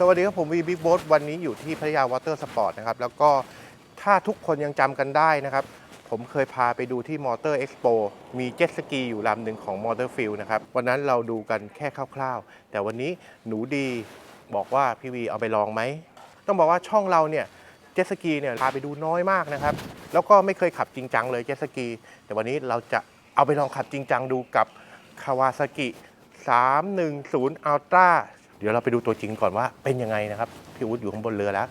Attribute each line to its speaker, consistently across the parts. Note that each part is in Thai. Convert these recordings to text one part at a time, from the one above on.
Speaker 1: วัสดีครับผมวีบิ๊กโบ๊ทวันนี้อยู่ที่พัทยาวอเตอร์สปอร์ตนะครับแล้วก็ถ้าทุกคนยังจำกันได้นะครับผมเคยพาไปดูที่มอเตอร์เอ็กซ์โปมีเจ็ตสกีอยู่ลำหนึ่งของมอเตอร์ฟิลนะครับวันนั้นเราดูกันแค่คร่าวๆแต่วันนี้หนูดีบอกว่าพี่วีเอาไปลองไหมต้องบอกว่าช่องเราเนี่ยเจ็ตสกีเนี่ยพาไปดูน้อยมากนะครับแล้วก็ไม่เคยขับจริงจังเลยเจ็ตสกีแต่วันนี้เราจะเอาไปลองขับจริงจังดูกับคาวาซากิ310 Ultraเดี๋ยวเราไปดูตัวจริงก่อนว่าเป็นยังไงนะครับพี่อุ๊ดอยู่ข้างบนเรือแล้ว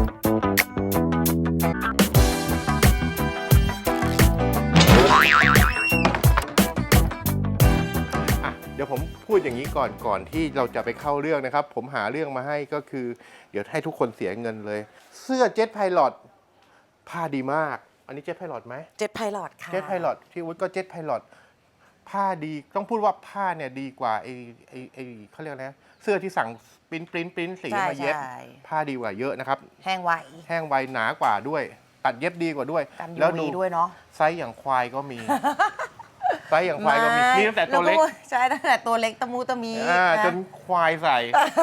Speaker 1: เดี๋ยวผมพูดอย่างนี้ก่อนที่เราจะไปเข้าเรื่องนะครับผมหาเรื่องมาให้ก็คือเดี๋ยวให้ทุกคนเสียเงินเลยเสื้อเจ็ตไพลอตผ้าดีมากอันนี้เจ็ตไพลอตไหม
Speaker 2: เจ็ตไพลอตค่ะ
Speaker 1: เจ็ตไพลอตพี่อุ๊ดก็เจ็ตไพลอตผ้าดีต้องพูดว่าผ้าเนี่ยดีกว่าไอเขาเรียกนะเสื้อที่สั่งปริ้นสีมาเย็บผ้าดีกว่าเยอะนะครับ
Speaker 2: แห้งไว
Speaker 1: หนากว่าด้วยตัดเย็บดีกว่าด้วย
Speaker 2: แล้วดูด้วยเนาะ
Speaker 1: ไซส์อย่างควายก็มีไซส์อย่างควายก็มีตั้งแต่ตัวเล็ก
Speaker 2: ใช่ตั้งแต่ตัวเล็กตะมูตะมี
Speaker 1: จนควายใส่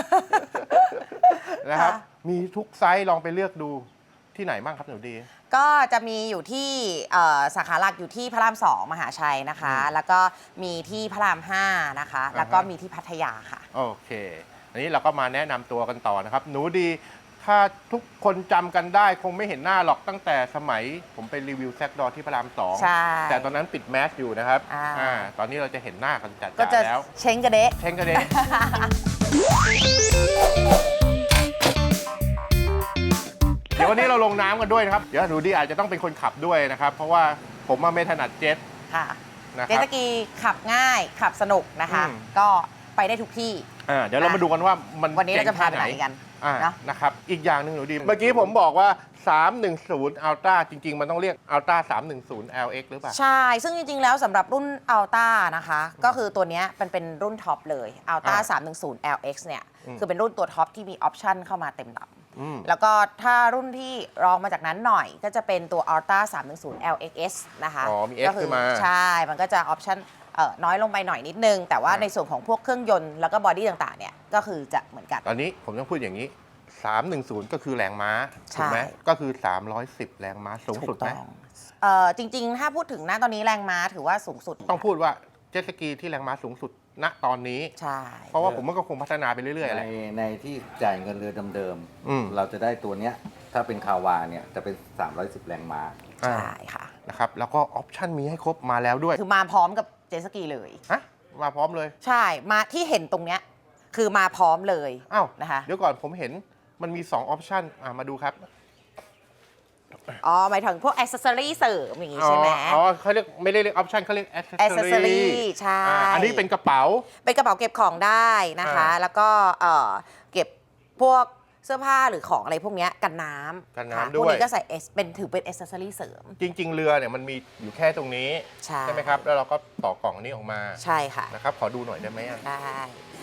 Speaker 1: นะครับมีทุกไซส์ลองไปเลือกดูที่ไหนบ้างครับหนูดี
Speaker 2: ก็จะมีอยู่ที่สาขาหลักอยู่ที่พระราม2มหาชัยนะคะแล้วก็มีที่พระราม5นะคะแล้วก็มีที่พัทยาค่ะ
Speaker 1: โอเคอันนี้เราก็มาแนะนำตัวกันต่อนะครับหนูดีถ้าทุกคนจำกันได้คงไม่เห็นหน้าหรอกตั้งแต่สมัยผมไปรีวิวแซกดอที่พระราม2
Speaker 2: ใช่
Speaker 1: แต่ตอนนั้นปิดแมสอยู่นะครับตอนนี้เราจะเห็นหน้ากันจัดๆแล้ว
Speaker 2: เช้งกระเดะ
Speaker 1: เดี๋ยววันนี้เราลงน้ำกันด้วยนะครับเดี๋ยวหนูดีอาจจะต้องเป็นคนขับด้วยนะครับเพราะว่าผมไม่ถนัดเจ็ต
Speaker 2: ค่ะเจ็ตสกีขับง่ายขับสนุกนะคะก็ไปได้ทุกที่
Speaker 1: เดี๋ยวเรามาดูกันว่า
Speaker 2: วันนี้เราจะพาไปไหนกัน
Speaker 1: นะครับอีกอย่างหนึ่งหนูดีเมื่อกี้ผมบอกว่า310 Ultra จริงๆมันต้องเรียก Ultra 310 LX หรือเปล่า
Speaker 2: ใช่ซึ่งจริงๆแล้วสำหรับรุ่น Ultra นะคะก็คือตัวนี้เป็นรุ่นท็อปเลย Ultra 310 LX เนี่ยคือเป็นรุ่นตัวท็อปที่มีออปชั่นเข้ามาเต็มลำแล้วก็ถ้ารุ่นที่รองมาจากนั้นหน่อยก็จะเป็นตัว Ultra 310 LXS นะคะ
Speaker 1: มี X ขึ้นมา
Speaker 2: ใช่มันก็จะออปชั่นน้อยลงไปหน่อยนิดนึงแต่ว่าในส่วนของพวกเครื่องยนต์แล้วก็บอดี้ต่างๆเนี่ยก็คือจะเหมือนกัน
Speaker 1: ตอนนี้ผมต้องพูดอย่างนี้310ก็คือแรงม้าถูกไหมก็คือ310แรงม้าสูงสุดไหม
Speaker 2: จริงๆถ้าพูดถึงณตอนนี้แรงม้าถือว่าสูงสุด
Speaker 1: ต้องพูดว่าเจ็ตสกีที่แรงม้าสูงสุดณตอนนี้
Speaker 2: ใช่
Speaker 1: เพราะว่าผมก็คงพัฒนาไปเรื่อยๆแหละ
Speaker 3: ในที่จ่ายเงินเรือเดิมๆเราจะได้ตัวเนี้ยถ้าเป็นคาวาเนี่ยจะเป็น310แรงม้า
Speaker 2: ใช่ค่ะ
Speaker 1: นะครับแล้วก็ออปชั่นมีให้ครบมาแล้วด้วย
Speaker 2: คือมาพร้อมกับเจ็ตสกีเลย
Speaker 1: มาพร้อมเลย
Speaker 2: ใช่มาที่เห็นตรงเนี้ยคือมาพร้อมเลยนะคะ
Speaker 1: เดี๋ยวก่อนผมเห็นมันมี2ออปชั่นมาดูครับ
Speaker 2: หมายถึงพวกอ c เซสซอรี่เสริมอย่างงี้ใช่ไหม
Speaker 1: เขาเรียกไม่ได้เรียกออปชั่นเขาเรียกอ c เซสซอรี่
Speaker 2: ใช่
Speaker 1: อันนี้เป็นกระเป๋า
Speaker 2: เก็บของได้นะคะแล้วก็เก็บพวกเสื้อผ้าหรือของอะไรพวกนี้กันน้ำ
Speaker 1: ด้วย
Speaker 2: พวกนี้ก็ใส่ถือเป็นอ c เซสซอรี่เสริม
Speaker 1: จริงๆเรือเนี่ยมันมีอยู่แค่ตรงนี้ใช่ไหมครับแล้วเราก็ต่อกล่องนี้ออกมา
Speaker 2: ใช่ค่ะ
Speaker 1: นะครับขอดูหน่อยได้ไหม
Speaker 2: ได้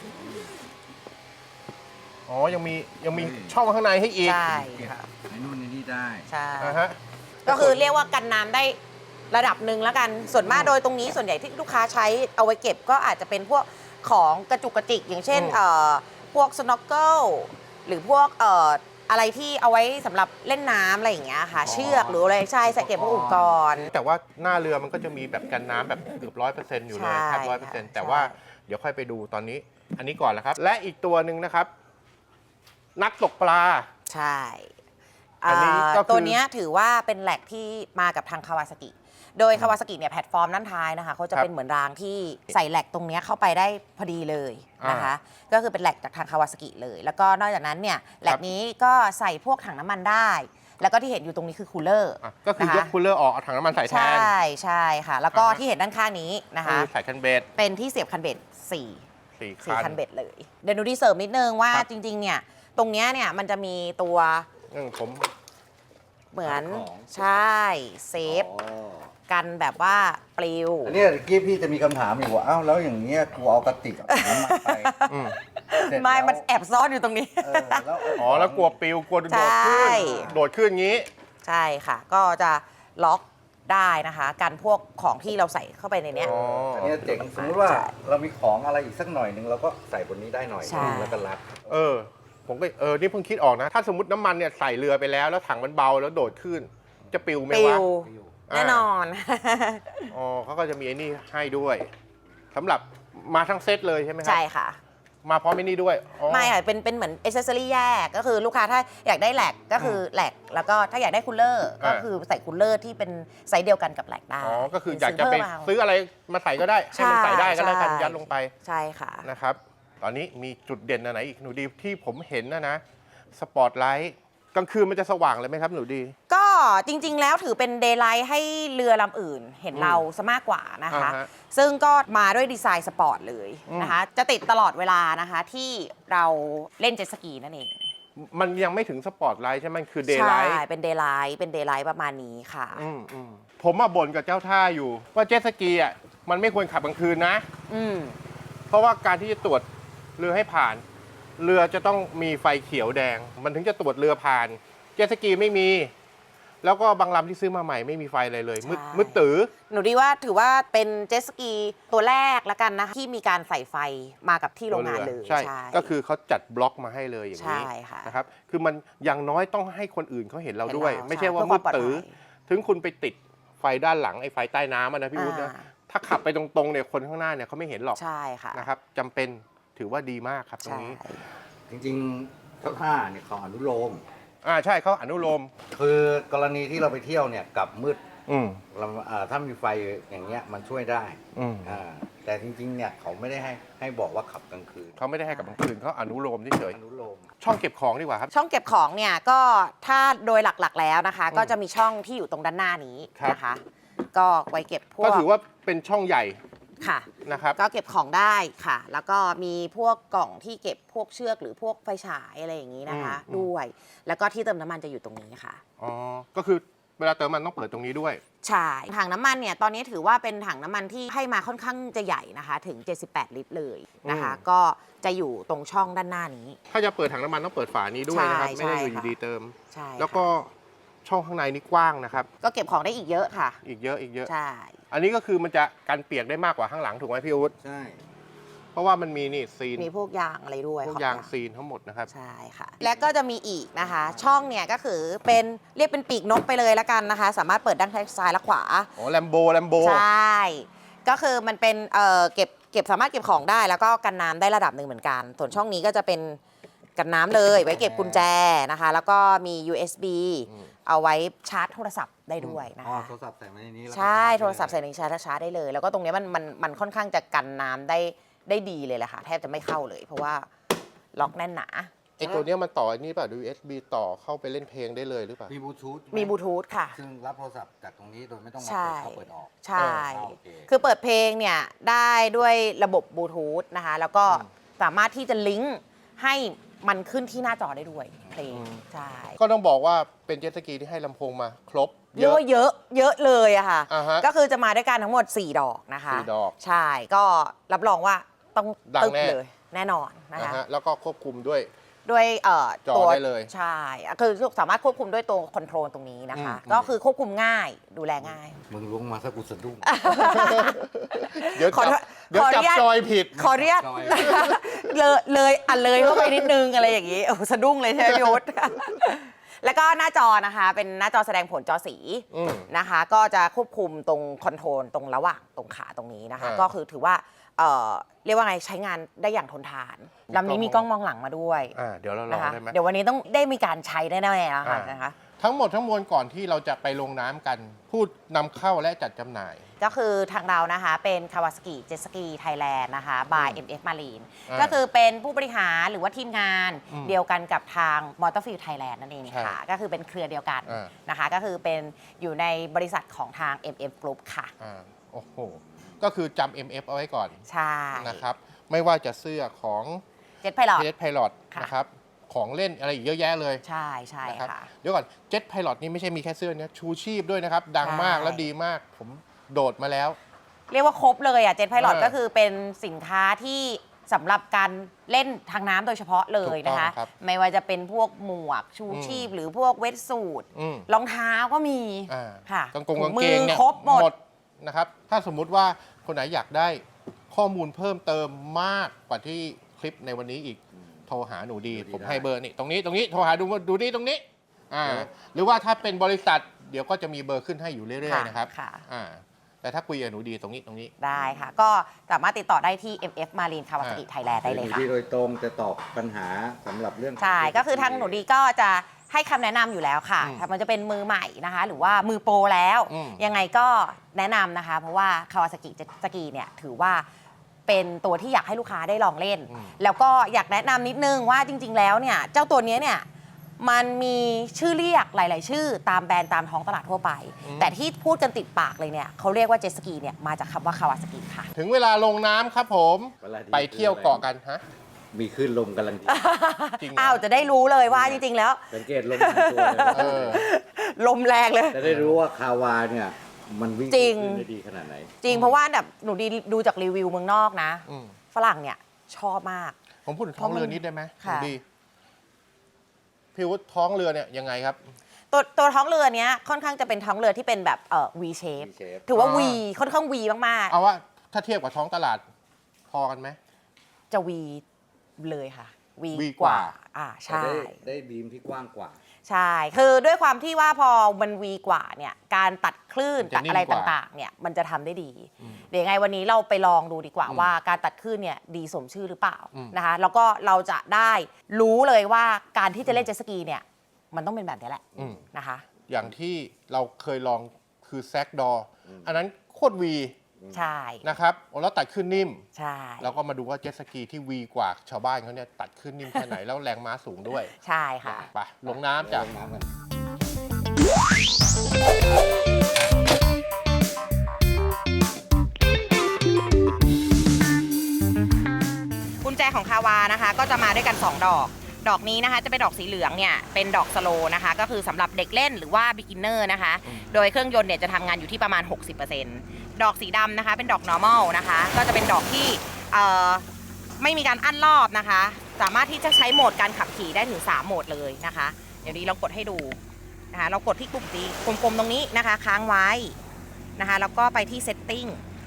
Speaker 1: ยังมีช่องข้างในให้อีก
Speaker 2: ใช่
Speaker 3: ค่ะในนู่นในนี่ได้
Speaker 2: ใช่ก็คือเรียกว่ากันน้ำได้ระดับหนึ่งแล้วกันส่วนมากโดยตรงนี้ส่วนใหญ่ที่ลูกค้าใช้เอาไว้เก็บก็อาจจะเป็นพวกของกระจุกกระจิกอย่างเช่นพวกสโนว์เกิลหรือพวกอะไรที่เอาไว้สำหรับเล่นน้ำอะไรอย่างเงี้ยค่ะเชือกหรืออะไรใช่ใส่เก็บพวกอุปกรณ์
Speaker 1: แต่ว่าหน้าเรือมันก็จะมีแบบกันน้ำแบบเกือบ100%อยู่เลยแทบ100%แต่ว่าเดี๋ยวค่อยไปดูตอนนี้อันนี้ก่อนแล้วครับและอีกตัวหนึ่งนะครับนักตกปลา
Speaker 2: ใช่ตัวนี้ถือว่าเป็นแหลกที่มากับทางคาวาซากิโดยคาวาซากิเนี่ยแพลตฟอร์มด้านท้ายนะคะเขาจะเป็นเหมือนรางที่ใส่แหลกตรงนี้เข้าไปได้พอดีเลยนะคะก็คือเป็นแหลกจากทางคาวาซากิเลยแล้วก็นอกจากนั้นเนี่ยแหลกนี้ก็ใส่พวกถังน้ำมันได้แล้วก็ที่เห็นอยู่ตรงนี้คือคูลเลอร์
Speaker 1: ก็คือยกคูลเลอร์ออกเอาถังน้ำมันใส่แทน
Speaker 2: ใช่ค่ะแล้วก็ที่เห็นด้านข้างนี้นะคะ
Speaker 1: ใส่คันเบ็ด
Speaker 2: เป็นที่เสียบคันเบ็ด4คันเบ็ดเลยเดี๋ยวหนูดีเสริมนิดนึงว่าจริงๆเนี่ยตรงนี้เนี่ยมันจะมีตัว
Speaker 1: ผม
Speaker 2: เหมือนใช่เซฟกันแบบว่าปลิว
Speaker 3: อันนี้กี้พี่จะมีคำถามอีกว่าแล้วอย่างเงี้ยกูเอากระติกน้ำมันไป
Speaker 2: ไม่มันแอบซ่อนอยู่ตรงนี้
Speaker 1: แล้วกลัวปลิวกลัวโดดขึ้นงี้
Speaker 2: ใช่ค่ะก็จะล็อกได้นะคะกันพวกของที่เราใส่เข้าไปในนี้
Speaker 3: อันนี้เจ๋งสมมติว่าเรามีของอะไรอีกสักหน่อยนึงเราก็ใส่บนนี้ได้หน่อยแล้วก็รัด
Speaker 1: ผมก็นี่เพิ่งคิดออกนะ ถ้าสมมติน้ำมันเนี่ยใส่เรือไปแล้วถังมันเบาแล้วโดดขึ้น จะปิวไหม
Speaker 2: ปิ
Speaker 1: วะ
Speaker 2: วแน่นอน
Speaker 1: อ๋อเขาก็จะมีไอ้นี่ให้ด้วยสำหรับมาทั้งเซตเลยใช่ไหมครั
Speaker 2: ใช่ค่ะ
Speaker 1: มาพร้อมไอ้นี่ด้วยอ๋อ
Speaker 2: ไม่ค่ะเป็นเหมือนเอเซสซอรี่แยกก็คือลูกค้าถ้าอยากได้แหลกก็คือแหลกแล้วก็ถ้าอยากได้คูลเลอร์ก็คือใส่คูลเลอร์ที่เป็นไซส์เดียวกันกับแหลกได้
Speaker 1: อ๋อก็คืออยากจะไป
Speaker 2: เพิ่มเอา
Speaker 1: ซื้ออะไรมาใส่ก็ได้ให้มันใส่ได้ก็แล้วกัน
Speaker 2: ใช่
Speaker 1: ยัดลงไป
Speaker 2: ใช่ค่ะ
Speaker 1: นะครับ ตอนนี้มีจุดเด่นอันไหนอีกหนูดีที่ผมเห็นนะสปอตไลท์กลางคืนมันจะสว่างเลยไหมครับหนูดี
Speaker 2: ก็จริงๆแล้วถือเป็นเดย์ไลท์ให้เรือลำอื่นเห็นเราซะมากกว่านะคะ
Speaker 1: อ่าฮะ
Speaker 2: ซึ่งก็มาด้วยดีไซน์สปอร์ตเลยนะคะ จะติดตลอดเวลานะคะที่เราเล่นเจ็ตสกีนั่นเอง
Speaker 1: มันยังไม่ถึงสปอตไลท์ใช่ไหมมันคือเดย์
Speaker 2: ใช่
Speaker 1: ไลท์
Speaker 2: เป็นเดย์ไลท์ประมาณนี้ค่ะ
Speaker 1: ผมมาบ่นกับเจ้าท่าอยู่ ว่าเจ็ตสกีอ่ะมันไม่ควรขับกลางคืนนะ
Speaker 2: อืม
Speaker 1: เพราะว่าการที่จะตรวจเรือให้ผ่าน เรือจะต้องมีไฟเขียวแดง มันถึงจะตรวจเรือผ่าน เจ็ตสกีไม่มี แล้วก็บางลำที่ซื้อมาใหม่ไม่มีไฟอะไรเลยมืด
Speaker 2: ใช่
Speaker 1: มืดตื้อ
Speaker 2: หนูดีว่าถือว่าเป็นเจ็ตสกีตัวแรกละกันนะคะที่มีการใส่ไฟมากับที่โรงงานเลย
Speaker 1: ใช่ ก็คือเขาจัดบล็อกมาให้เลยอย่างนี้
Speaker 2: ใช่ค่ะ
Speaker 1: นะครับ คือมันอย่างน้อยต้องให้คนอื่นเขาเห็นเราด้วย
Speaker 2: เห็นเรา
Speaker 1: ไม่ใช่ว่า
Speaker 2: ใช่เพื่
Speaker 1: มื
Speaker 2: อ
Speaker 1: ด
Speaker 2: ความปลอดภัย
Speaker 1: ตื้อ ถึงคุณไปติดไฟด้านหลังไอ้ไฟใต้น้ำอะนะพี่วุฒินะ ถ้าขับไปตรงๆเนี่ยคนข้างหน้าเนี่ยเขาไม่เห็นหรอก
Speaker 2: ใช่ค่ะ
Speaker 1: นะครับจำเป็นถือว่าดีมากครับตรง
Speaker 2: ใช่
Speaker 1: นี้
Speaker 3: จริงๆเจ้าท่าเนี่ยเขาอนุโลม
Speaker 1: ใช่เขาอนุโลม
Speaker 3: คือกรณีที่เราไปเที่ยวเนี่ยกลับมืด
Speaker 1: อืม
Speaker 3: ถ้ามีไฟอย่างเงี้ยมันช่วยได้
Speaker 1: อืม
Speaker 3: แต่จริงๆเนี่ยเขาไม่ได้ให้บอกว่าขับกลางคืน
Speaker 1: เขาไม่ได้ให้กับกลางคืนเขาอนุโลมเฉย
Speaker 3: อนุโลม
Speaker 1: ๆช่องเก็บของดีกว่าครับ
Speaker 2: ช่องเก็บของเนี่ยก็ถ้าโดยหลักๆแล้วนะคะ ก็จะมีช่องที่อยู่ตรงด้านหน้านี้
Speaker 1: ครับ
Speaker 2: นะคะ ก็ไว้เก็บพวก
Speaker 1: ก็ถือว่าเป็นช่องใหญ่
Speaker 2: ค่ะ
Speaker 1: นะครับ
Speaker 2: ก็เก็บของได้ค่ะ แล้วก็มีพวกกล่องที่เก็บพวกเชือกหรือพวกไฟฉายอะไรอย่างนี้นะคะ
Speaker 1: อืม
Speaker 2: ด้วย แล้วก็ที่เติมน้ำมันจะอยู่ตรงนี้ค่ะ
Speaker 1: อ๋อ ก็คือเวลาเติมมันต้องเปิดตรงนี้ด้วย
Speaker 2: ใช่ ถังน้ำมันเนี่ยตอนนี้ถือว่าเป็นถังน้ำมันที่ให้มาค่อนข้างจะใหญ่นะคะ ถึง 78 ลิตรเลยนะคะ
Speaker 1: อืม
Speaker 2: ก็จะอยู่ตรงช่องด้านหน้านี้
Speaker 1: ถ้าจะเปิดถังน้ำมันต้องเปิดฝานี้ด้วยนะครับ
Speaker 2: ใช่
Speaker 1: ไม่ได้อยู่
Speaker 2: ใช่ค่ะ
Speaker 1: ดีๆเติม
Speaker 2: ใช่
Speaker 1: แล้วก็ช่องข้างในนี่กว้างนะครับ
Speaker 2: ก็เก็บของได้อีกเยอะค่ะ
Speaker 1: อีกเยอะอีกเยอะ
Speaker 2: ใช่
Speaker 1: อันนี้ก็คือมันจะกันเปียกได้มากกว่าข้างหลังถูกไหมพี่อุ๊ด
Speaker 3: ใช่
Speaker 1: เพราะว่ามันมีนี่ซีน
Speaker 2: มีพวกยางอะไรด้วย
Speaker 1: พวก
Speaker 2: ขอบ
Speaker 1: ยางซีนทั้งหมดนะครับ
Speaker 2: ใช่ค่ะ และก็จะมีอีกนะคะ ช่องเนี่ยก็คือเป็นเรียกเป็นปีกนกไปเลยละกันนะคะ สามารถเปิดด้านซ้ายและขวา
Speaker 1: อ๋อแลมโบ
Speaker 2: ใช่ ก็คือมันเป็นเก็บสามารถเก็บของได้แล้วก็กันน้ำได้ระดับหนึ่งเหมือนกัน ส่วนช่องนี้ก็จะเป็นกันน้ำเลย ไว้เก็บกุญแจนะคะ แล้วก็มี USB เอาไว้ชาร์จโทรศัพท์ได้ด้วยนะ
Speaker 3: อ๋อ
Speaker 2: คะ
Speaker 3: โทรศัพท์ใส่มาในนี้แล้วก็
Speaker 2: ใช่
Speaker 3: ชา
Speaker 2: โทรศัพท์ใส่ในชาร์จได้เลย แล้วก็ตรงเนี้ยมันค่อนข้างจะกันน้ำได้ดีเลยแหละค่ะ แทบจะไม่เข้าเลย เพราะว่าล็อกแน่นหนา
Speaker 1: ไอตัวเนี้ยมันต่อไอ้นี่ป่ะ USB ต่อเข้าไปเล่นเพลงได้เลยหรือเปล่า
Speaker 3: มีบลูทูธ
Speaker 2: มีบลูทูธค่ะ
Speaker 3: ซึ่งรับโทรศัพท์จากตรงนี้โดยไม่ต้องมา
Speaker 2: ใช่
Speaker 3: เปิดเข้าเปิดออก
Speaker 2: ใช่
Speaker 3: โอเค
Speaker 2: คือเปิดเพลงเนี่ยได้ด้วยระบบบลูทูธนะคะ แล้วก็สามารถที่จะลิงก์ให้มันขึ้นที่หน้าจอได้ด้วยเพลง ใช่
Speaker 1: ก็ต้องบอกว่าเป็นเจ็ตสกีที่ให้ลำโพงมาครบ
Speaker 2: เรียกว่าเยอะเลยอะค่ะ
Speaker 1: อ่าฮะ
Speaker 2: ก็คือจะมาด้วยกันทั้งหมด 4 ดอกนะคะ
Speaker 1: 4 ดอก
Speaker 2: ใช่ ก็รับรองว่าต้อง
Speaker 1: ดัง
Speaker 2: ตึก
Speaker 1: แน่
Speaker 2: เลยแน่นอนนะคะ
Speaker 1: แล้วก็ควบคุมด้วย
Speaker 2: ด้วย
Speaker 1: จอ
Speaker 2: ตัว
Speaker 1: ได้เลย
Speaker 2: ใช่คือสามารถควบคุมด้วยตัวคอนโทรลตรงนี้นะคะ
Speaker 1: อืม
Speaker 2: ก็คือควบคุมง่ายดูแลง่าย
Speaker 3: มึงล้วงมาสักกูสะดุ้ง
Speaker 1: เดี๋ยว
Speaker 2: ขอ
Speaker 1: จับเดี๋ยว
Speaker 2: ขออนุ
Speaker 1: จับ
Speaker 2: ญาต
Speaker 1: จอยผิด
Speaker 2: ขออนุญาต
Speaker 3: จอย
Speaker 2: เลยเข้าไปนิดนึงอะไรอย่างนี้โอ้สะดุ้งเลยใช่ไหมพี่วุฒิ แล้วก็หน้าจอนะคะเป็นหน้าจอแสดงผลจอสี
Speaker 1: อืม
Speaker 2: นะคะ ก็จะควบคุมตรงคอนโทรลตรงระหว่างตรงขาตรงนี้นะคะ
Speaker 1: อ่า
Speaker 2: ก็คือถือว่าเรียกว่าไงใช้งานได้อย่างทนทานลำนี้มีกล้องมองหลังมาด้วย
Speaker 1: เดี๋ยวเราลอ
Speaker 2: นะ
Speaker 1: ง
Speaker 2: คะ
Speaker 1: ได้ไหม
Speaker 2: เดี๋ยววันนี้ต้องได้มีการใช้แน่ๆแล้วค่ะ
Speaker 1: อ่าน
Speaker 2: นะคะ
Speaker 1: ทั้งหมดทั้งมวลก่อนที่เราจะไปลงน้ำกัน พูดนำเข้าและจัดจำหน่าย
Speaker 2: ก็คือทางเรานะคะเป็น Kawasaki Jet Ski Thailand นะคะ by MF Marine
Speaker 1: อ่า
Speaker 2: ก็คือเป็นผู้บริหารหรือว่าทีมงาน
Speaker 1: อืม
Speaker 2: เดียวกันกับทาง Motorfield Thailand นั่นเอง
Speaker 1: ใช่
Speaker 2: ค่ะ ก็คือเป็นเครือเดียวกัน
Speaker 1: อ่า
Speaker 2: นะคะ ก็คือเป็นอยู่ในบริษัทของทาง MF Group ค่ะ
Speaker 1: โอ้โห ก็คือจำ MF เอาไว้ก่อน
Speaker 2: ใช่
Speaker 1: นะครับ ไม่ว่าจะเสื้อของ
Speaker 2: Jet Pilot
Speaker 1: Jet Pilot
Speaker 2: ค่ะ
Speaker 1: นะครับ ของเล่นอะไรอีกเยอะแยะเลย
Speaker 2: ใช่ใช่
Speaker 1: นะครับ
Speaker 2: ค่ะ
Speaker 1: เดี๋ยวก่อน Jet Pilot นี่ไม่ใช่มีแค่เสื้อนะชูชีพด้วยนะครับ ดังมาก
Speaker 2: ใช่
Speaker 1: และดีมาก ผมโดดมาแล้ว
Speaker 2: เรียกว่าครบเลยอ่ะ Jet Pilot
Speaker 1: เออ
Speaker 2: ก็คือเป็นสินค้าที่สำหรับการเล่นทางน้ำโดยเฉพาะเลยนะคะ
Speaker 1: ถูกต้องครับ
Speaker 2: ไม่ว่าจะเป็นพวกหมวกชูชีพ หรือพวกเวทสูท
Speaker 1: อืม
Speaker 2: รองเท้าก็มี
Speaker 1: อ่า
Speaker 2: ค่ะ
Speaker 1: กาง
Speaker 2: ถุ
Speaker 1: กาง
Speaker 2: มื
Speaker 1: เกงเนี่ย
Speaker 2: ครบหมด
Speaker 1: นะครับ ถ้าสมมุติว่าคนไหนอยากได้ข้อมูลเพิ่มเติมมากกว่าที่คลิปในวันนี้อีกโทรหาหนูดี
Speaker 3: หนูดี
Speaker 1: ผม
Speaker 3: ได้
Speaker 1: ให้เบอร์นี่ตรงนี้โทรหาดูดีตรงนี้หรือว่าถ้าเป็นบริษัทเดี๋ยวก็จะมีเบอร์ขึ้นให้อยู่เรื่อยๆนะครับ
Speaker 2: ค่ะ
Speaker 1: แต่ถ้าคุยกับหนูดีตรงนี้
Speaker 2: ได้ค่ะ ก็สามารถติดต่อได้ที่ MF Marine Kawasaki Thailand ได้เลย
Speaker 3: หนู
Speaker 2: ค่ะ
Speaker 3: ดีโดยตรงจะตอบปัญหาสำหรับเรื่อง
Speaker 2: ใช่ ก็คือทางหนูดีก็จะให้คำแนะนำอยู่แล้วค่ะ
Speaker 1: อืม
Speaker 2: ถ้ามันจะเป็นมือใหม่นะคะ หรือว่ามือโปรแล้ว
Speaker 1: อืม
Speaker 2: ยังไงก็แนะนำนะคะ เพราะว่า Kawasaki Jet Ski เนี่ยถือว่าเป็นตัวที่อยากให้ลูกค้าได้ลองเล่น แล้วก็อยากแนะนำนิดนึงว่าจริง ๆ แล้วเนี่ยเจ้าตัวเนี้ยเนี่ยมันมีชื่อเรียกหลาย ๆ ชื่อตามแบรนด์ตามท้องตลาดทั่วไป แต่ที่พูดกันติดปากเลยเนี่ยเขาเรียกว่าเจ็ตสกีเนี่ยมาจากคำว่า Kawasaki ค่ะ
Speaker 1: ถึงเวลาลงน้ำครับผม
Speaker 3: เวลาดี
Speaker 1: ไปเที่ยวเกาะกันฮะ
Speaker 3: มีคลื่นลมกำลังดี
Speaker 1: จริงเหรอ
Speaker 2: อ้าวจะได้รู้เลยว่าจริง ๆ แล้ว
Speaker 3: สังเกตลมของตัวเลย
Speaker 1: เออ
Speaker 2: ลมแรงเลย
Speaker 3: จะได้รู้ว่าคาวาเนี่ยมันวิ่ง
Speaker 2: จริง
Speaker 3: คลื่นได้ดีขนาดไหน
Speaker 2: จริงเพราะว่าแบบหนูดีดูจากรีวิวเมืองนอกนะ
Speaker 1: อืม
Speaker 2: ฝรั่งเนี่ยชอบมาก
Speaker 1: ผมพูดถึงท้องเรือนิดได้ไหม
Speaker 2: ค่ะ
Speaker 1: หนูดีพี่วุฒิท้องเรือเนี่ยยังไงครับ
Speaker 2: ตัวท้องเรือเนี้ยค่อนข้างจะเป็นท้องเรือที่เป็นแบบV shape
Speaker 3: V-shape
Speaker 2: ถือว่า
Speaker 1: อ๋อ
Speaker 2: V ค่อนข้าง V มาก
Speaker 1: เอาว่าถ้าเทียบกับท้องตลาดพอกันไหม
Speaker 2: ๆ จะ V เลยค่ะ V
Speaker 1: V
Speaker 2: กว่า
Speaker 1: กว่า
Speaker 2: อ่า
Speaker 3: แต่
Speaker 2: ใช่
Speaker 3: ได้บีมที่กว้างกว่า
Speaker 2: ใช่ คือด้วยความที่ว่าพอมัน V กว่าเนี่ยการตัดคลื่น
Speaker 1: มันจะ
Speaker 2: ตัดอะไร
Speaker 1: นิ่มกว่า
Speaker 2: ต่างๆเนี่ยมันจะทำได้ดี เดี๋ยวยังไงวันนี้เราไปลองดูดีกว่าว่าการตัดคลื่นเนี่ยดีสมชื่อหรือเปล่านะคะแล้วก็เราจะได้รู้เลยว่าการที่จะเล่นเจ็ตสกีเนี่ยมันต้องเป็นแบบนี้แหละนะคะ
Speaker 1: อย่างที่เราเคยลองคือแซกดออันนั้นโคตรวี
Speaker 2: ใช่
Speaker 1: นะครับแล้วตัดขึ้นนิ่ม
Speaker 2: ใช่
Speaker 1: แล้วก็มาดูว่าเจ็ตสกีที่วีกว่าชาวบ้านเขาเนี่ยตัดขึ้นนิ่มแค่ไหน แล้วแรงม้าสูงด้วย
Speaker 2: ใช่ค่ะ
Speaker 1: ไปลงน้ำจ้ะ
Speaker 3: ลงน้ำกัน
Speaker 2: กุญแจของคาวานะคะก็จะมาด้วยกัน 2 ดอก ดอกนี้นะคะจะเป็นดอกสีเหลืองเนี่ยเป็นดอกสโลนะคะก็คือสำหรับเด็กเล่นหรือว่า beginner นะคะโดยเครื่องยนต์เนี่ยจะทำงานอยู่ที่ประมาณ 60%ดอกสีดำนะคะเป็นดอก normal นะคะก็จะเป็นดอกที่ไม่มีการอั้นรอบนะคะ สามารถที่จะใช้โหมดการขับขี่ได้ถึง3โหมดเลยนะคะเดี๋ยวนี้เรากดให้ดูนะคะเรากดที่ปุ่มสีกลมๆตรงนี้นะคะค้างไว้นะคะแล้วก็ไปที่ setting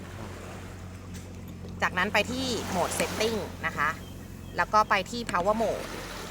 Speaker 2: จากนั้นไปที่โหมด setting นะคะแล้วก็ไปที่ power mode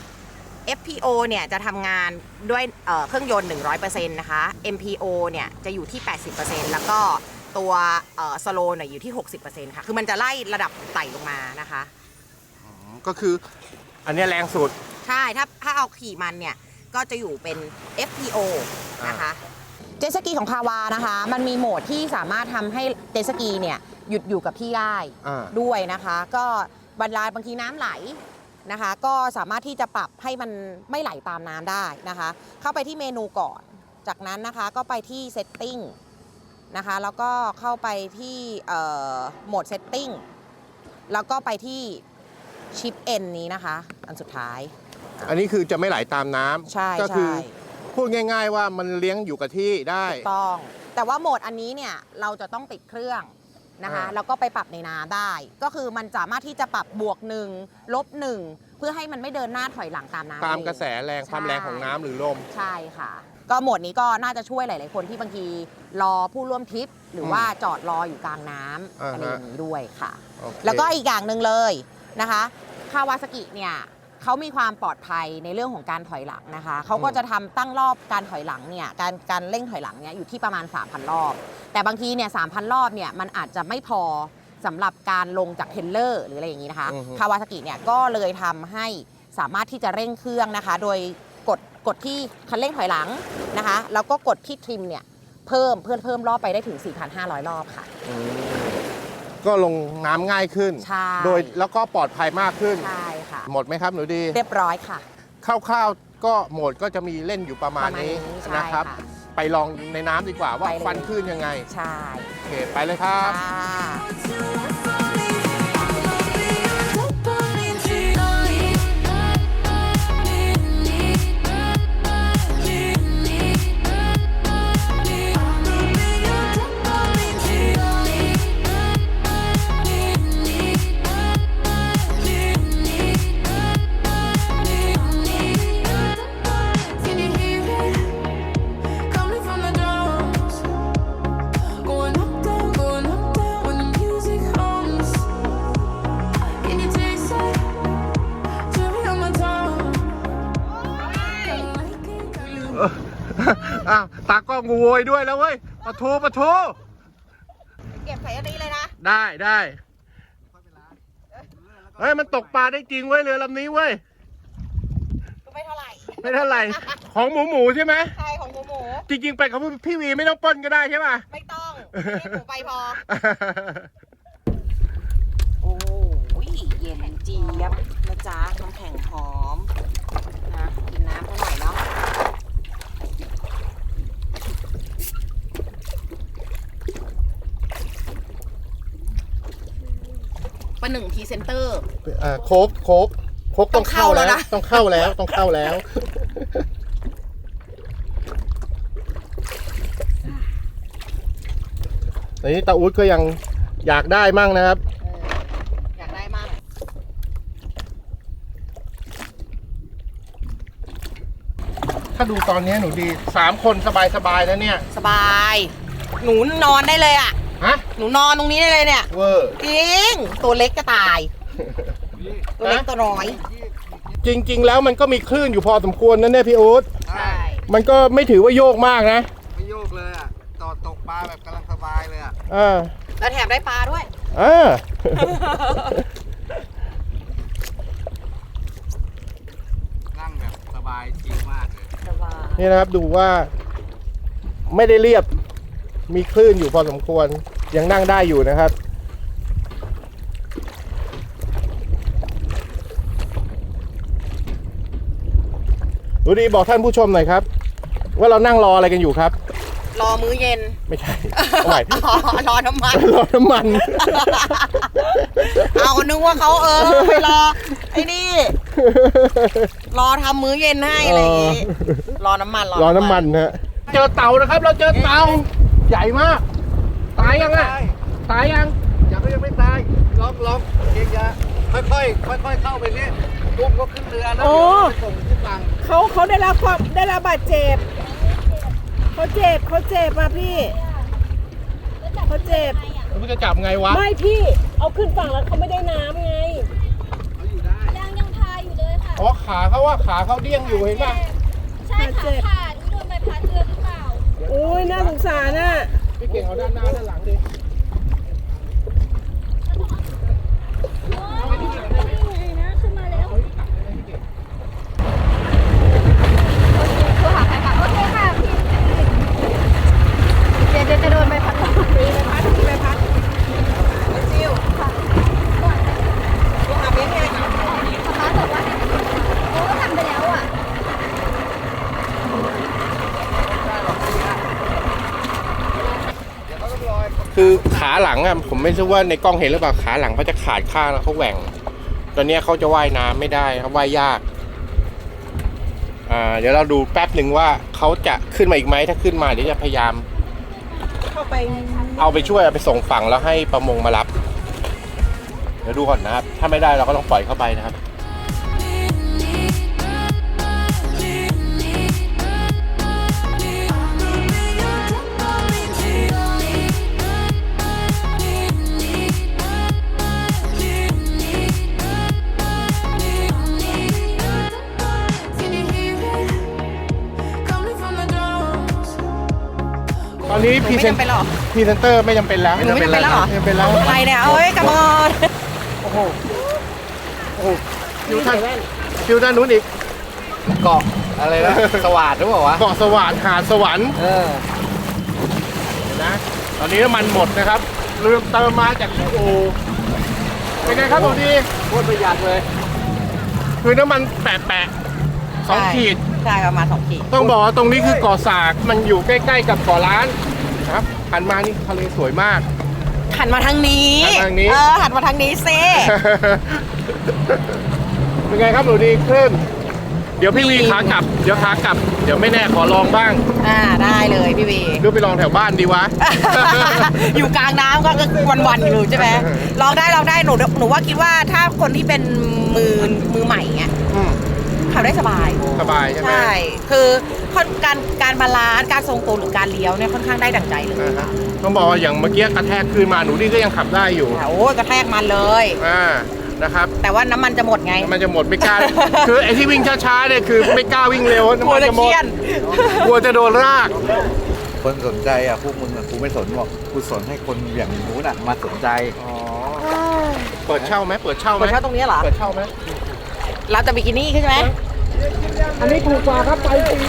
Speaker 2: FPO เนี่ยจะทำงานด้วยเครื่องยนต์ 100% นะคะ MPO เนี่ยจะอยู่ที่ 80% แล้วก็ตัวslow เนี่ยอยู่ที่ 60% ค่ะ คือมันจะไล่ระดับไต่ลงมานะคะ
Speaker 1: ก็คืออันเนี้ยแรงสุด
Speaker 2: ใช่ ถ้าเอาขี่มันเนี่ย ก็จะอยู่เป็น FPO นะคะ เจ็ตสกีของคาวานะคะ มันมีโหมดที่สามารถทำให้เจ็ตสกีเนี่ยหยุดอยู่กับที่ได้ ด้วยนะคะ ก็บางทีน้ำไหลนะคะ ก็สามารถที่จะปรับให้มันไม่ไหลตามน้ำได้นะคะ เข้าไปที่เมนูก่อน จากนั้นนะคะก็ไปที่ setting นะคะ แล้วก็เข้าไปที่โหมด setting แล้วก็ไปที่ชิป N นี้นะคะ อันสุดท้าย
Speaker 1: อันนี้คือจะไม่ไหลตามน้ำ
Speaker 2: ใช่
Speaker 1: ก็คือ
Speaker 2: ใช่
Speaker 1: พูดง่าย ๆ ว่ามันเลี้ยงอยู่กับที่ได้
Speaker 2: ถูกต้อง แต่ว่าโหมดอันนี้เนี่ยเราจะต้องติดเครื่องนะคะ แล้วก็ไปปรับในน้ำได้ ก็คือมันสามารถที่จะปรับบวก1 ลบ 1 เพื่อให้มันไม่เดินหน้าถอยหลังตามน้ำ
Speaker 1: ตาม
Speaker 2: เอง
Speaker 1: กระแสแรง
Speaker 2: ใช่
Speaker 1: ความแรงของน้ำหรือลม
Speaker 2: ใช่ค่ะ ก็โหมดนี้ก็น่าจะช่วยหลาย ๆ คนที่บางทีรอผู้ร่วมทริป หรือว่าจอดรออยู่กลางน้ำ
Speaker 1: อ่าฮะ
Speaker 2: อะไรอย่างนี้ด้วยค่ะ
Speaker 1: โอเค
Speaker 2: แล้วก็อีกอย่างหนึ่งเลยนะคะคาวาซากิเนี่ยเขามีความปลอดภัยในเรื่องของการถอยหลังนะคะเขาก็จะทำตั้งรอบการถอยหลังเนี่ยการเร่งถอยหลังเนี่ยอยู่ที่ประมาณ 3,000 รอบ แต่บางทีเนี่ย 3,000 รอบเนี่ยมันอาจจะไม่พอสำหรับการลงจากเทรลเลอร์หรืออะไรอย่างนี้นะคะ
Speaker 1: อือฮึ
Speaker 2: คาวาซากิเนี่ยก็เลยทำให้สามารถที่จะเร่งเครื่องนะคะ โดยกดที่คันเร่งถอยหลังนะคะแล้วก็กดที่ทริมเนี่ยเพิ่มรอบไปได้ถึง 4,500 รอบค่ะ
Speaker 1: ก็ลงน้ำง่ายขึ้น
Speaker 2: ใช่
Speaker 1: โดยแล้วก็ปลอดภัยมากขึ้น
Speaker 2: ใช่ค่ะ
Speaker 1: หมดไหมครับหนูดี
Speaker 2: เรียบร้อยค่ะ
Speaker 1: คร่าวๆก็โหมดก็จะมีเล่นอยู่ประมาณนี้
Speaker 2: ประมาณนี้ใช่
Speaker 1: นะครับ
Speaker 2: ค่ะ
Speaker 1: ไปลองในน้ำดีกว่าว่า
Speaker 2: ไปเลย
Speaker 1: ฟันขึ้นยังไง
Speaker 2: ใช่
Speaker 1: โอเค ไปเลยครับ
Speaker 2: ค่ะ
Speaker 4: Can you hear it coming from the drums? Going up, down when the music hums.
Speaker 1: อ้าวตากล้องกูโวยด้วยแล้วเว้ยปะทู
Speaker 2: เก็บใส่อันนี้เลยนะ
Speaker 1: ได้เฮ้ยมันตกปลาได้จริงเว้ยเรือลำนี้เว้ย
Speaker 2: ไม่เท่าไหร่
Speaker 1: ไม่เท่าไหร่ของหมูใช่ไหม
Speaker 2: ใช่ของหมู
Speaker 1: จริงๆไปกับพี่วีไม่ต้องปล้นก็ได้ใช่ป่ะ
Speaker 2: ไม่ต้องนี่หมูไปพอ โอ้ยเย็นเจี๊ยบนะจ๊ะน้ำแข็งหอมนะกินน้ำเท่าไหร่เนาะประหนึ่งพรีเซนเตอร์
Speaker 1: โค้กต้องเข้าแล้วนะต้องเข้าแล้วตอนนี้ตาอุ๊ดก็ยังอยากได้มั่งนะครับ
Speaker 2: อยากได้มาก
Speaker 1: ถ้าดูตอนนี้หนูดี3 คนสบายแล้วเนี่ย
Speaker 2: สบาย หนูนอนได้เลยอ่ะ
Speaker 1: ฮะ
Speaker 2: หนูนอนตรงนี้ได้เลยเนี่ย
Speaker 1: เวอร์
Speaker 2: จริง ตัวเล็กก็ตาย ตัวเล็กตัวน้อย
Speaker 1: จริงๆแล้วมันก็มีคลื่นอยู่พอสมควรนะเนี่ยพี่อุ๊ด
Speaker 2: ใช่
Speaker 1: มันก็ไม่ถือว่าโยกมากนะ
Speaker 3: ไม่โยกเลยอ่ะตกปลาแบบกำลังสบายเลยอ่ะ
Speaker 2: แล้วแถมได้ปลาด้วย
Speaker 3: นั่งแบบสบายจริงมากเลย
Speaker 2: สบาย
Speaker 1: นี่นะครับดูว่าไม่ได้เรียบมีคลื่นอยู่พอสมควรยังนั่งได้อยู่นะครับดูดีบอกท่านผู้ชมหน่อยครับ ว่าเรานั่งรออะไรกันอยู่ครับ
Speaker 2: รอมื้อเย็น
Speaker 1: ไม่ใช่เอาใหม่
Speaker 2: รอน้ำมัน
Speaker 1: รอน้ำมัน
Speaker 2: เอานึกว่าเขาไปรอไอ้นี่ รอทำมื้อเย็นให้อะไรอย่างงี้ รอน้ำมัน
Speaker 1: รอน้ำมันฮะเจอเต่านะครับ เราเจอเต่าใหญ่มาก ตายยังอ่ะตายยัง
Speaker 3: ยังไม่ตายลองเกียร์ค่อยเข้าไปนี่ตุ้มก็ขึ้นเรือแล้ว
Speaker 5: โอ้
Speaker 3: ไปส่งที่ฝั่ง
Speaker 5: เขาได้รับบาดเจ็บเขาเจ็บมาพี่เขาเจ็บ
Speaker 1: แล้วมึงจะจับไงวะ
Speaker 5: ไม่พี่เอาขึ้นฝั่งแล้วเขาไม่ได้น้ำไง
Speaker 6: ยังพาอยู่เลยค่ะ
Speaker 1: อ๋อขาเขาเดี้ยงอยู่เห็นป่ะ
Speaker 6: ใช่ค่ะขาดโดนใบพัดเรือหรือเปล่า
Speaker 5: โอ้ยน่าสงสารน่ะ
Speaker 1: พี่เก่งเอาด้านหน้าด้านหลังดิ
Speaker 6: โอ้ยนี่ไงนะขึ้นมาแล้วโอเคคือหาใครค่ะโอเคค่ะพี่เดี๋ยวจะโดนใบพัดตีใบพัด
Speaker 2: ซิวตัวหาเบ้นไง
Speaker 6: ป๊าบอกว่าโอ้ทำไปแล้วอ่ะ
Speaker 1: คือขาหลังอ่ะผมไม่รู้ว่าในกล้องเห็นหรือเปล่าขาหลังเขาจะขาดข้างแล้วเขาแหว่ง ตอนนี้เขาจะว่ายน้ำไม่ได้ครับว่ายยากเดี๋ยวเราดูแป๊บหนึ่งว่าเขาจะขึ้นมาอีกไหมถ้าขึ้นมาเดี๋ยวจะพยายาม
Speaker 5: เข้าไป
Speaker 1: เอาไปช่วยเอาไปส่งฝั่งแล้วให้ประมงมารับ เดี๋ยวดูก่อนนะครับ ถ้าไม่ได้เราก็ต้องปล่อยเข้าไปนะครับ
Speaker 4: Can you hear it coming from the drums?
Speaker 1: ตอนนี้พรีเซน
Speaker 2: ไม่จำเป็นหรอ
Speaker 1: เตอร์ไม่จำเป็นแล้ว
Speaker 2: หนูไม่จำเป็นแล้วเหรอ
Speaker 1: ไม่จำเป็นแล้ว
Speaker 2: อะไรเนี่ยเอ้ยกระบอก
Speaker 1: โอ้โหคิวด้านนู้นอีก
Speaker 3: เกาะอะไรนะ สวัสดหรือเปล่าวะ
Speaker 1: เกาะสวรรค์หาดสวรรค์
Speaker 3: เออ
Speaker 1: นะ ตอนนี้น้ำมันหมดนะครับลืมเติมมาจากที่โอเป็นไงครับผมดี
Speaker 3: โคตรประหยัดเลย
Speaker 1: คือน้ำมันแปะ2 ขีด
Speaker 2: ใช่ประมาณ2 ขีด
Speaker 1: ต้องบอกว่าตรงนี้คือเกาะสากมันอยู่ใกล้ๆกับเกาะล้านนะครับหันมานี่ทะเลสวยมาก
Speaker 2: หันมาทางนี้
Speaker 1: หันมาทางนี้
Speaker 2: หันมาทางนี้ซิ
Speaker 1: เป็นไงครับหนูดีขึ้น เดี๋ยวพี่วีขากลับ เดี๋ยวไม่แน่ขอลองบ้าง
Speaker 2: ได้เลยพี่วี
Speaker 1: หรือไปลองแถวบ้านดีวะ
Speaker 2: อยู่กลางน้ำก็วันๆอยู่ใช่ไหมลองได้หนูว่าคิดว่าถ้าคนที่เป็นมือใหม่เงี้ย
Speaker 1: อืม
Speaker 2: ขับได้สบาย
Speaker 1: สบายใช่ไหม
Speaker 2: ใช่ คือการบาลานซ์การทรงตัวหรือการเลี้ยวเนี่ยค่อนข้างได้ดั่งใจเลย
Speaker 1: อ่าฮะต้องบอกว่าอย่างเมื่อกี้กระแทกคืนมาหนูดีก็ยังขับได้อยู่
Speaker 2: โอ้ยกระแทกมันเลย
Speaker 1: อ่านะครับ
Speaker 2: แต่ว่าน้ำมันจะหมดไง
Speaker 1: มันจะหมดไม่กล้า คือไอ้ที่วิ่งช้าๆเนี่ยคือไม่กล้าวิ่งเร็วน้ำมันจะหมดกลัวจะโดนราก
Speaker 3: คนสนใจอ่ะพวกมึงอ่ะกูไม่สนหรอกกูสนให้คนอย่างนู้นอ่ะมาสนใจ
Speaker 1: เปิดเช่าไหมเปิดเช่าไหม
Speaker 2: เปิดเช่าตรงนี้เหรอ
Speaker 1: เปิดเช่าไหม
Speaker 2: เราจะบิกินี่ขึ้นไหม
Speaker 1: อันนี้ถูกกว่าครับไปฟรี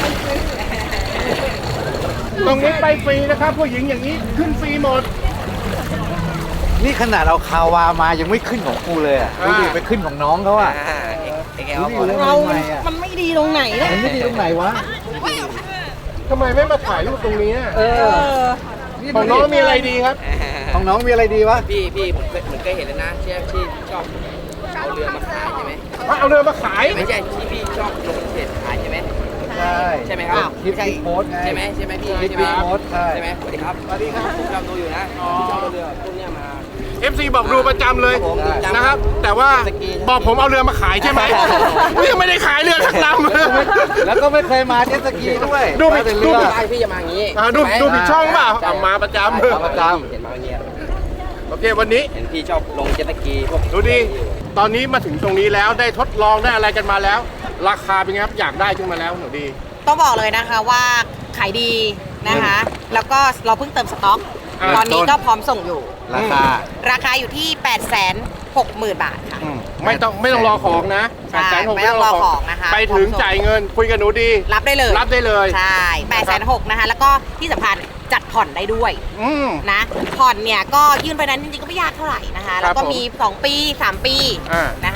Speaker 1: ตรงนี้ไปฟรีนะครับผู้หญิงอย่างนี้ขึ้นฟรีหมด
Speaker 3: นี่ขนาดเอาคาวามายังไม่ขึ้นของกูเลยอ่ะดูดิไปขึ้นของน้องเขาอ่ะดูดิแล้ว
Speaker 2: เรา
Speaker 3: ทำไมอ่ะ
Speaker 2: มันไม่ดีตรงไหนเนี่ย
Speaker 3: มันไม่ดีตรงไหนวะ
Speaker 1: ทำไมไม่มาถ่ายรูปตรงนี้อะ
Speaker 3: นี่
Speaker 1: ของน้องมีอะไรดีครับ
Speaker 3: ของน้องมีอะไรดีวะ
Speaker 7: พี่ผมเคยเห็นแล้วนะที่ชอบเอาเรือมาขายใช่ไหม
Speaker 1: เอาเรือมาขาย
Speaker 7: ไม่ใช่ที่พี่ชอบลงเพจขายใช่ไหม
Speaker 3: ใช่
Speaker 7: ใช่ไหมครับ
Speaker 3: คลิปโพสต์ไง
Speaker 7: ใช่ไหมพี่
Speaker 3: คลิป
Speaker 7: ใช่ไหม
Speaker 3: โพสต์ใช่
Speaker 7: ใช่ไหมสวัสดีครับสวัสดีครับผมชอบดูอยู่นะพี่ชอบเอาเรือพวกเนี้ยมา
Speaker 1: FC บอกดูประจำเลย
Speaker 7: ผมจำ
Speaker 1: นะครับ แต่ว่า
Speaker 7: สกี
Speaker 1: บอกผมเอาเรือมาขายใช่ไหมยังไม่ได้ขายเรือสักลำ
Speaker 3: แล้วก็ไม่เคยมาเจ็ตสกีด้วย
Speaker 1: ดูผิด
Speaker 3: มาแต่
Speaker 1: ดู
Speaker 3: เรือ
Speaker 1: ผิด
Speaker 7: ใช่พี่จะมาอย่างนี้
Speaker 1: ดู
Speaker 7: ใช่ไหม
Speaker 1: ดูผิดช่องเปล่า
Speaker 7: ใช่
Speaker 1: เอามาประจ
Speaker 3: มาประจ
Speaker 7: เห็นมาอย่างเงี้ย
Speaker 1: ำโอเควันนี้
Speaker 7: เห็นพี่ชอบลงเจ็ตสกีพวก
Speaker 1: ดูดิตอนนี้มาถึงตรงนี้แล้วได้ทดลองได้อะไรกันมาแล้ว ราคาเป็นไงครับอยากได้ขึ้นมาแล้วหนูดี
Speaker 2: ต้องบอกเลยนะคะว่าขายดีนะคะ แล้วก็เราเพิ่งเติมสต็อก ตอนนี้ก็พร้อมส่งอยู่
Speaker 3: ราคา
Speaker 2: ราคาอยู่ที่ 860,000 บาทค่ะ
Speaker 1: ไม่ต้องรอของนะ
Speaker 2: ใช่ไม่ต้องรอของนะคะ
Speaker 1: ไปถึงจ่ายเงินคุยกับหนูดี
Speaker 2: รับได้เลย
Speaker 1: รับได้เลย
Speaker 2: ใช่860,000นะคะ แล้วก็ที่สำคัญจัดผ่อนได้ด้วย
Speaker 1: อืม
Speaker 2: นะ ผ่อนเนี่ยก็ยื่นไปนั้นจริงๆก็ไม่ยากเท่าไหร่นะคะ แล้วก็
Speaker 1: ผม
Speaker 2: มี 2 ปี 3 ปี
Speaker 1: อ่า
Speaker 2: นะคะ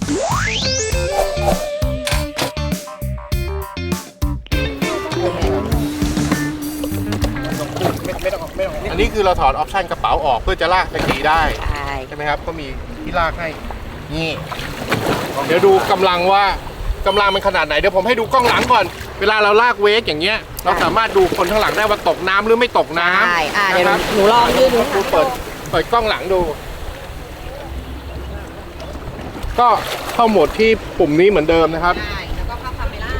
Speaker 1: อันนี้คือเราถอดออปชันกระเป๋าออกเพื่อจะลากตะกี้ได้
Speaker 2: ใช่
Speaker 1: ใช่ไหมครับ ก็มีที่ลากให้ นี่ เดี๋ยวดูกำลังว่ากำลังมันขนาดไหน เดี๋ยวผมให้ดูกล้องหลังก่อน เวลาเราลากเวกอย่างเงี้ย เราสามารถดูคนข้างหลังได้ว่าตกน้ำหรือไม่ตกน้
Speaker 2: ใช่
Speaker 1: ำ
Speaker 2: เดี๋ยว
Speaker 1: นะครับ
Speaker 2: หนูลองยื่นดู
Speaker 1: ดูเปิดกล้องหลังดู ก็เข้าโหมดที่ปุ่มนี้เหมือนเดิมนะครับ
Speaker 2: ใช่ แล้วก็เข้าคาเมล่า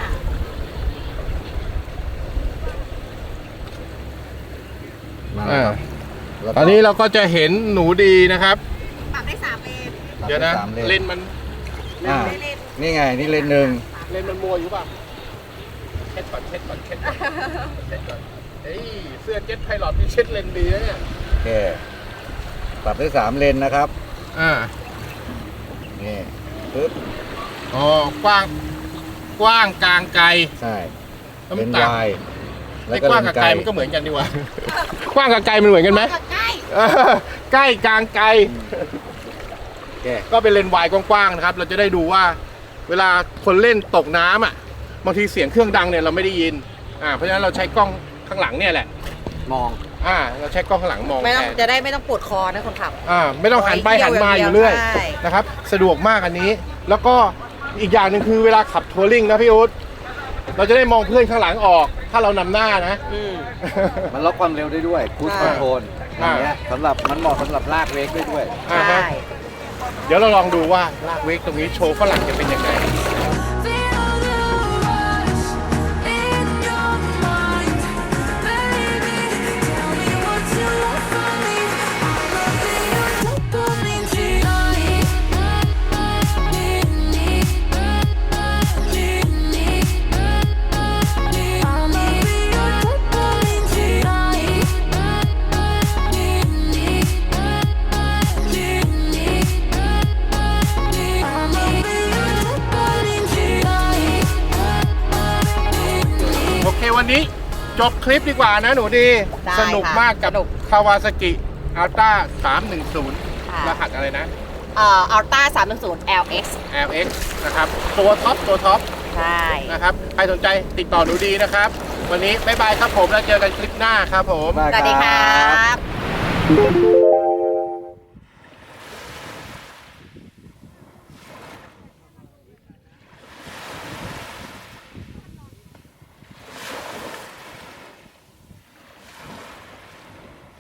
Speaker 1: อ่า ตอนนี้เราก็จะเห็นหนูดีนะครับ
Speaker 2: ปรับได้3 เลน
Speaker 1: เดี๋ยวนะ
Speaker 3: สามเลน
Speaker 1: เลนมัน
Speaker 3: อ่านี่ไง นี่เลนหนึ่ง
Speaker 1: เลนมันมัวอยู่ป่ะเช็ดก่อนเช็ดก่อนเช็ดก่อนเช็ดก่อนเฮ้ยเสื้อเจ็ตไพลอตนี่เช็ดเลนดีนะเนี่ย
Speaker 3: โอเค ปรับได้3เลนนะครับ
Speaker 1: อ่า
Speaker 3: นี่ปึ๊บ
Speaker 1: อ๋อกว้างกลางไกล
Speaker 3: ใช่
Speaker 1: แล้ว
Speaker 3: เล
Speaker 1: มัน
Speaker 3: น
Speaker 1: ต่าง
Speaker 3: วาย
Speaker 1: ไอ้กว้างกับไกลมันก็เหมือนกันดีกว่า กว้างกับไกลมันเหมือนกันไหม
Speaker 2: ใกล้
Speaker 1: เออใกล้กลางไกล
Speaker 3: โอเค
Speaker 1: ก็เป็นเลนส์วายกว้างๆนะครับ เราจะได้ดูว่า เวลาคนเล่นตกน้ำอ่ะบางทีเสียงเครื่องดังเนี่ยเราไม่ได้ยินเพราะฉะนั้นเราใช้กล้องข้างหลังเนี่ยแหละ
Speaker 3: มอง
Speaker 1: เราใช้กล้องข้างหลังมอง
Speaker 2: ไม่ต้อง
Speaker 1: แทน
Speaker 2: จะได้ไม่ต้องปวดคอนะคนขับ
Speaker 1: ไม่ต้องหันไป
Speaker 2: เที่ยว
Speaker 1: หันมา
Speaker 2: อ
Speaker 1: อยู่
Speaker 2: ย่าง
Speaker 1: เรื่อย
Speaker 2: เดียวใช่
Speaker 1: นะครับ สะดวกมากอันนี้ แล้วก็อีกอย่างหนึ่งคือเวลาขับทัวริงนะพี่อุ๊ดเราจะได้มองเพื่อนข้างหลังออก ถ้าเรานำหน้านะ
Speaker 3: มันล็อกความเร็วได้ด้วยคูสคอนโทรลอย่างเงี้ยสำหรับมันเหมาะสำหรับลากเวกได้ด้วย
Speaker 1: อ่าฮะ
Speaker 2: ใช่
Speaker 1: เดี๋ยวเราลองดูว่าลากเวกตรงนี้โชว์ฝรั่งจะเป็นยังไง
Speaker 4: Feel the rush in your mind, baby. Tell me what you want from me. I'll be your dopamine tonight. I'ma be your dopamine tonight. I'ma be your dopamine tonight.
Speaker 1: โอเควันนี้จบคลิปดีกว่านะหนูดี
Speaker 2: ได้
Speaker 1: สนุก
Speaker 2: ค่ะ
Speaker 1: มากกับ
Speaker 2: สนุก
Speaker 1: คาวาซากิอัลต้า310
Speaker 2: ค่ะ
Speaker 1: รหัสอะไรนะ
Speaker 2: อัลต้า310 LX
Speaker 1: LX นะครับ ตัวท็อป
Speaker 2: ใช่
Speaker 1: นะครับ ใครสนใจติดต่อหนูดีนะครับ วันนี้บ๊ายบายครับผมแล้วเจอกันคลิปหน้าครับผม
Speaker 2: สวัสดีครับ